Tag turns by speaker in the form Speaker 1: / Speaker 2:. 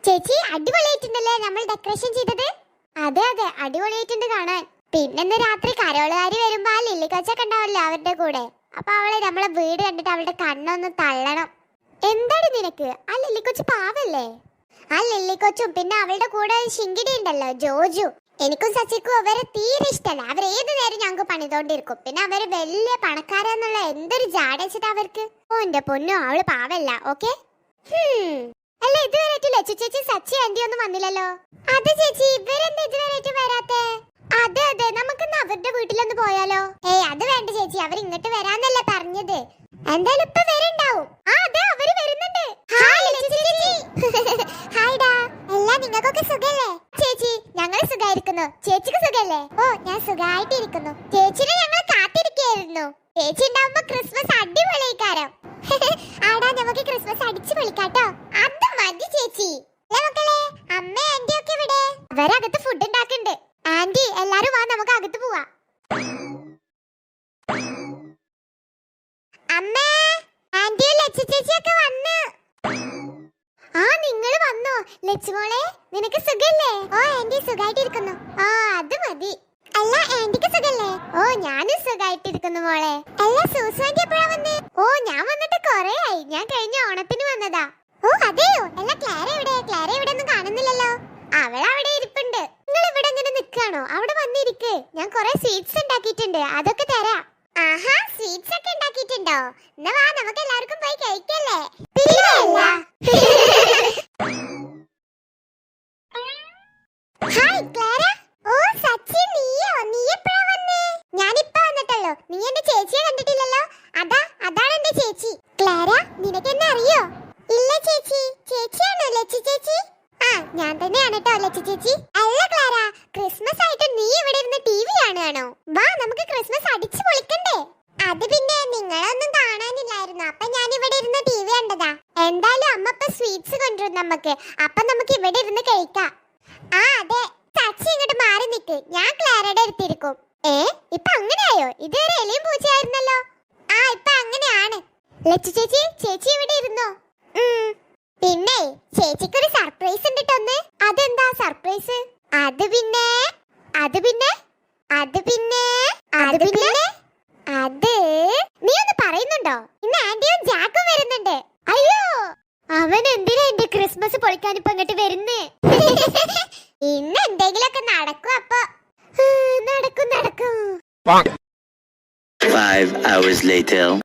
Speaker 1: ചേച്ചി അടിപൊളിയായിട്ടുണ്ടല്ലേ നമ്മൾ ഡെക്കറേഷൻ ചെയ്തത്? അതെ അതെ അടിപൊളിയായിട്ടുണ്ട് കാണാൻ. പിന്നെ രാത്രി കരോളുകാരി വരുമ്പോ ആ ലില്ലിക്കൊച്ചൊക്കെ ഉണ്ടാവല്ലോ അവരുടെ കൂടെ. അപ്പൊ അവളെ നമ്മളെ വീട് കണ്ടിട്ട് അവളുടെ കണ്ണൊന്ന് തള്ളണം. എന്താണ് നിനക്ക്? ആ ലില്ലിക്കൊച്ചു പാവല്ലേ? ആ ലില്ലിക്കൊച്ചും പിന്നെ അവളുടെ കൂടെ ശിങ്കിടി ഉണ്ടല്ലോ ജോജു. എനിക്കും സച്ചിക്കും അവരെ തീരെ ഇഷ്ടമല്ല. അവർ ഏത് നേരം ഞങ്ങൾക്ക് പണിതോണ്ടിരിക്കും. പിന്നെ അവര് വലിയ പണക്കാരെന്നുള്ള എന്തൊരു ജാടച്ചിട്ട് അവർക്ക്. ഓ എന്റെ പൊന്നു, അവള് പാവല്ല. ഓക്കെ. അല്ല ഇതുവരെയായിട്ട് ലച്ചു ചേച്ചി സച്ചി ആന്റി ഒന്നും വന്നില്ലല്ലോ. അതെ ചേച്ചി, ഇവരെന്താ ഇതുവരെയായിട്ട് വരാത്തെ? അതെ അതെ, നമുക്കിന്ന് അവരുടെ വീട്ടിലൊന്ന് പോയാലോ? ഏയ് അത് വേണ്ട ചേച്ചി, അവർ ഇങ്ങോട്ട് വരാന്നല്ലേ പറഞ്ഞത്. എന്തായാലും ഇപ്പൊ വരുന്നുണ്ടാവും. ആ അതെ, അവര് വരുന്നുണ്ട്. ഹായ് ലച്ചു ചേച്ചി. ഹായ് ഡാ. എല്ലാം നിങ്ങൾക്കൊക്കെ സുഖല്ലേ? ചേച്ചി ഞങ്ങൾ സുഖായിരിക്കുന്നു. ചേച്ചിക്ക് സുഖല്ലേ? ഓ ഞാൻ സുഖായിട്ടിരിക്കുന്നു. ചേച്ചിനെ ഞങ്ങൾ കാത്തിരിക്കുകയായിരുന്നു. ചേച്ചി ഉണ്ടാവുമ്പോ ക്രിസ്മസ് അടിപൊളിയായിക്കാരം. ആടാ നമുക്ക് ക്രിസ്മസ് അടിച്ചു പൊളിക്കാട്ടോ. അത് മതി ചേച്ചി. മക്കളെ, അമ്മ ആന്റി ഒക്കെ ഇവിടെ? അവരകത്ത് ഫുഡ് ഉണ്ടാക്കുന്നുണ്ട്. ആന്റി എല്ലാരും വാ, നമുക്ക് അകത്ത് പോവാ. അമ്മ, ആന്റിയും ലച്ചു ചേച്ചിയൊക്കെ വന്നു. ആ നിങ്ങൾ വന്നോ? ലച്ചുമോളെ നിനക്ക് സുഖല്ലേ? ഓ ആന്റി സുഖായിട്ടിരിക്കുന്നു. ആ അത് മതി. അല്ല ആന്റിക്ക് സുഖല്ലേ? ഓ ഞാനും സുഖായിട്ടിരിക്കുന്നു മോളെ. അല്ല സൂസു ആന്റി എപ്പോഴാ വന്നേ? ഓ ഞാൻ വന്നിട്ട് കൊറേ ആയി. ഞാൻ കഴിഞ്ഞ ഓണത്തിന് വന്നതാ. ഓ അതെയോ? അല്ല ക്ലാര എവിടെ? ക്ലാര ഇവിടെ ഒന്നും കാണുന്നില്ലല്ലോ. അവൾ അവിടെ ഇരിപ്പുണ്ട്. നിങ്ങൾ ഇവിടെ ഇങ്ങനെ നിൽക്കാണോ? അവിടെ വന്നിരിക്ക്. ഞാൻ കൊറേ സ്വീറ്റ്സ് ഉണ്ടാക്കിയിട്ടുണ്ട്, അതൊക്കെ തരാം. ആഹാ, സ്വീറ്റ്സ് ഒക്കെ ഉണ്ടാക്കിയിട്ടുണ്ടോ? എന്നാ വാ, നമുക്ക് എല്ലാവർക്കും പോയി കഴിക്കല്ലേ? Hi Clara. ഓ സച്ചി, നീയോ? നീ എപ്പോഴാ വന്നേ? ഞാനിപ്പോ വന്നിട്ടുള്ളൂ. നീ എന്റെ ചേച്ചിയെ കണ്ടിട്ടില്ലല്ലോ. അതാണ് എന്റെ ചേച്ചി. ക്ലാര, നിനക്ക് എന്നെ അറിയോ? ഇല്ല ചേച്ചി. ചേച്ചിയാണോ ലച്ചു ചേച്ചി? ആ ഞാൻ തന്നെയാണ് കേട്ടോ ലച്ചു ചേച്ചി. അല്ല ക്ലാര, ക്രിസ്മസ് ആയിട്ട് നീ ഇവിടെ ഇരുന്ന് ടിവി കാണുകയാണോ? വാ നമുക്ക് ക്രിസ്മസ് അടിച്ചു പൊളിക്കണ്ടേ? അത് പിന്നെ നിങ്ങളൊന്നും കാണാനില്ലായിരുന്നു, അപ്പൊ ഞാൻ ഇവിടെ ഇരുന്ന് ടിവി കണ്ടതാ. എന്തായാലും അമ്മ ഇപ്പൊ സ്വീറ്റ്സ് കൊണ്ടുവരും നമുക്ക്. അപ്പൊ നമുക്ക് ഇവിടെ ഇരുന്ന് കഴിക്കാം. ആ അതെ, സച്ചി ഇങ്ങോട്ട് മാറി നിക്ക്. ഞാൻ ക്ലാരയുടെ അടുത്തിരിക്കും. ഇപ്പൊ അങ്ങനെയായോ? ഇതുവരെ എലിയും പൂച്ചയായിരുന്നല്ലോ. ആ ഇപ്പൊ അങ്ങനെയാണ്. ലച്ചു ചേച്ചി, ചേച്ചി ഇവിടെ ഇരുന്നോ? പിന്നെ ചേച്ചിക്കൊരു സർപ്രൈസ് ഉണ്ട് ട്ടൊന്ന്. അതെന്താ സർപ്രൈസ്? അത് പിന്നെ നീ ഒന്ന് പറയുന്നുണ്ടോ? ഇന്ന് ആന്റിയും ജാക്കും വരുന്നുണ്ട്. അയ്യോ, അവൻ എന്തിനാ എന്റെ ക്രിസ്മസ് പൊളിക്കാൻ ഇപ്പൊ ഇങ്ങോട്ട് വരുന്നേ? ഇന്ന് എന്തെങ്കിലുമൊക്കെ നടക്കും. അപ്പൊ നടക്കും.
Speaker 2: 5 hours later.